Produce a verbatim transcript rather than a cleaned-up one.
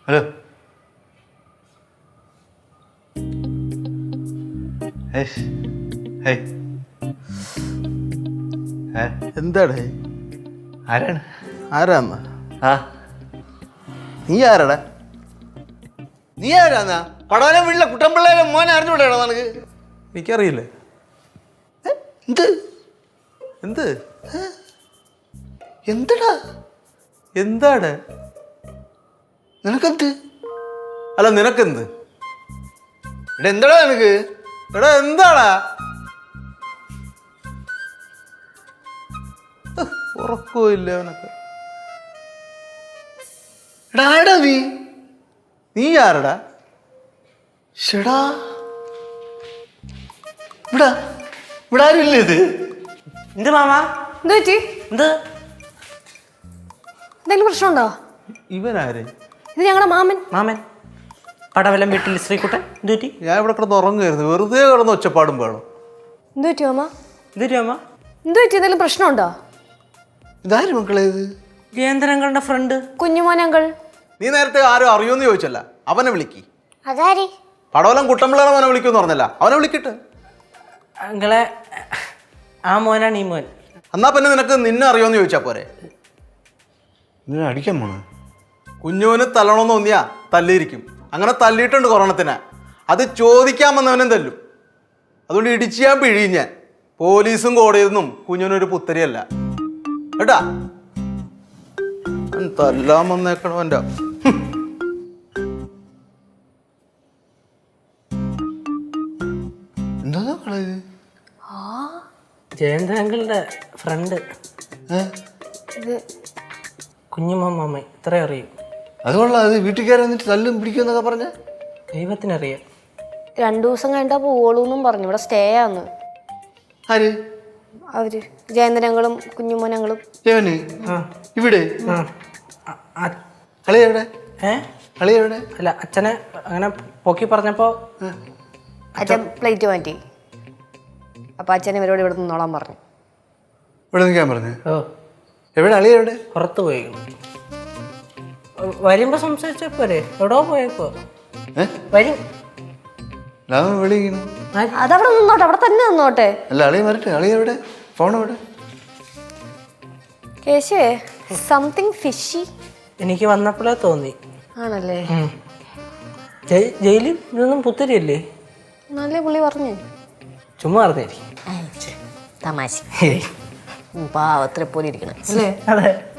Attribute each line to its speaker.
Speaker 1: Hello.
Speaker 2: എന്താടേ?
Speaker 1: ആരാണ്?
Speaker 2: ആരാന്നാ?
Speaker 1: ആ
Speaker 2: നീ ആരാടാ?
Speaker 1: നീ ആരാന്നാ? പടവനെ വീട്ടിലെ കുട്ടമ്പിള്ളേരെ മോനെ അറിഞ്ഞുകൂടെയാണോ നിനക്ക്?
Speaker 2: എനിക്കറിയില്ലേ.
Speaker 1: എന്ത്
Speaker 2: എന്ത്
Speaker 1: എന്തടാ
Speaker 2: എന്താണ്?
Speaker 1: നിനക്കെന്ത്?
Speaker 2: അല്ല നിനക്കെന്ത്?
Speaker 1: ഇവിടെ എന്താടാ നിനക്ക്?
Speaker 2: എടാ എന്താടാ? ഉറക്കമില്ല അവനൊക്കെ.
Speaker 1: എടാ ആടാ നീ?
Speaker 2: നീ ആരടാ?
Speaker 1: ഷെടാ ഇവിടെ ഇവിടെ ആരും ഇല്ല. ഇത്
Speaker 3: എന്ത് മാമാ?
Speaker 4: എന്ത് പറ്റി?
Speaker 3: എന്ത്
Speaker 4: എന്തെങ്കിലും പ്രശ്നമുണ്ടോ?
Speaker 2: ഇവനാര്?
Speaker 4: ഇത് ഞങ്ങളുടെ മാമൻ.
Speaker 3: മാമൻ പടവലം വീട്ടിൽ ശ്രീകുട്ടൻ. എന്ത് പറ്റി?
Speaker 2: ഞാൻ ഇവിടെ കിടന്ന് ഉറങ്ങുമായിരുന്നു. വെറുതെ കിടന്ന് ഒച്ചപ്പാടും വേണം.
Speaker 4: എന്ത് പറ്റി മാമ?
Speaker 3: എന്ത് പറ്റി മാമ?
Speaker 4: എന്ത് പറ്റി? എന്തെങ്കിലും പ്രശ്നമുണ്ടോ?
Speaker 1: ഇതാര് മക്കളെ? ഇത്
Speaker 3: ജയന്തരങ്ങളുടെ ഫ്രണ്ട്
Speaker 4: കുഞ്ഞുമോനങ്കൾ.
Speaker 2: നീ നേരത്തെ ആരും അറിയുമെന്ന് ചോദിച്ചല്ല. അവനെ വിളിക്ക്.
Speaker 4: അതാരി?
Speaker 2: പടവലം കുട്ടമ്പിള്ളേരെ അവനെ വിളിക്കുമെന്ന് പറഞ്ഞല്ല. അവനെ വിളിക്കട്ടെ.
Speaker 3: അങ്ങളെ ആ മോനാണ് ഈ മോൻ.
Speaker 2: എന്നാ പിന്നെ നിനക്ക് നിന്നെ അറിയുമെന്ന് ചോദിച്ചാ പോരെ.
Speaker 1: ഇതിനെ അടിക്കാൻ പോണ?
Speaker 2: കുഞ്ഞുവിന് തല്ലണമെന്ന് തോന്നിയാ തല്ലിയിരിക്കും. അങ്ങനെ തല്ലിയിട്ടുണ്ട് കൊറോണത്തിന്. അത് ചോദിക്കാൻ വന്നവനും തല്ലും. അതുകൊണ്ട് ഇടിച്ച് ഞാൻ പിഴിയും ഞാൻ. പോലീസും കോടതിയൊന്നും കുഞ്ഞുവിനൊരു പുത്തരിയല്ല കേട്ടാ. തല്ലാൻ വന്നേക്കണവൻ്റെ
Speaker 1: എന്താ മക്കളെ ഇത്?
Speaker 3: ജയന്തരങ്ങളുടെ ഫ്രണ്ട്
Speaker 4: ഇത്
Speaker 3: കുഞ്ഞുമോൻ മാമ. ഇത്ര അറിയും.
Speaker 1: അത് കൊള്ളാം. അത് വീട്ടിൽ കയറി വന്നിട്ട് തല്ലും പിടിക്കുമെന്നൊക്കെ പറഞ്ഞ
Speaker 3: ദൈവത്തിനറിയാം.
Speaker 4: രണ്ടു ദിവസം കഴിഞ്ഞാ പോവുള്ളൂന്നും പറഞ്ഞു. ഇവിടെ സ്റ്റേ ആന്ന്
Speaker 1: ആര്?
Speaker 4: അവര് ജയന്തരങ്ങളും കുഞ്ഞുമോനങ്ങളും.
Speaker 1: ജവന് ഇവിടെ കളി എവിടെ?
Speaker 3: ഏ
Speaker 1: കളി എവിടെ?
Speaker 3: അല്ല അച്ഛനെ അങ്ങനെ പൊക്കി പറഞ്ഞപ്പോ
Speaker 4: അച്ഛൻ പ്ലേറ്റ് മാറ്റി. അപ്പൊ അച്ഛൻ ഇവരോട് ഇവിടെ നിന്നോളാൻ പറഞ്ഞു.
Speaker 1: ഇവിടെ നിൽക്കാൻ പറഞ്ഞു.
Speaker 3: ഓ
Speaker 1: എവിടെ അളി എവിടെ?
Speaker 3: പുറത്ത് പോയി. വരുമ്പോ സംസാരിച്ചാ പോരെ? എവിടോ പോയേക്കോ വരും.
Speaker 1: വിളിക്കുന്നു.
Speaker 4: അതവിടെ നിന്നോട്ടെ, അവിടെ തന്നെ നിന്നോട്ടെ.
Speaker 1: അല്ല അളി വരട്ടെ. അളി എവിടെ? ഫോൺ എവിടെ?
Speaker 4: കേശുവേ സംതിങ് ഫിഷി
Speaker 3: എനിക്ക് വന്നപ്പോഴേ തോന്നി.
Speaker 4: ആണല്ലേ?
Speaker 3: ജയിലിൽ ഇതൊന്നും പുത്തരിയല്ലേ?
Speaker 4: നല്ല പുള്ളി പറഞ്ഞു.
Speaker 3: ചുമ്മാ പറഞ്ഞായിരിക്കും.
Speaker 4: തമാശ പാവത്തിനെ പോലെ ഇരിക്കണം അല്ലേ?
Speaker 3: അതെ.